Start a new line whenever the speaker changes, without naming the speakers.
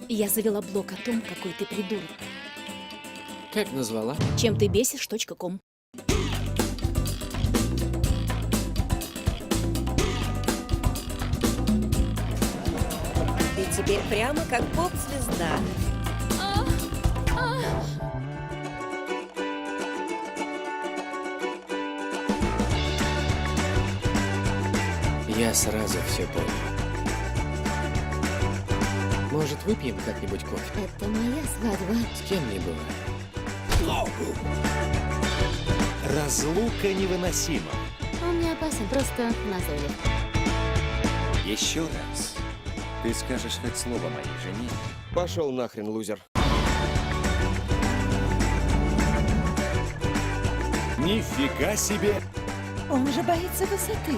Я завела блог о том, какой ты придурок.
Как назвала?
Чем ты бесишь.ком.
Ты теперь прямо как поп-звезда.
Я сразу все понял. Может, выпьем как-нибудь кофе?
Это моя свадьба.
С кем не бывает.
Разлука невыносима.
Он не опасен, просто назойлив.
Еще раз. Ты скажешь хоть слово моей жене?
Пошел нахрен, лузер.
Нифига себе!
Он же боится высоты.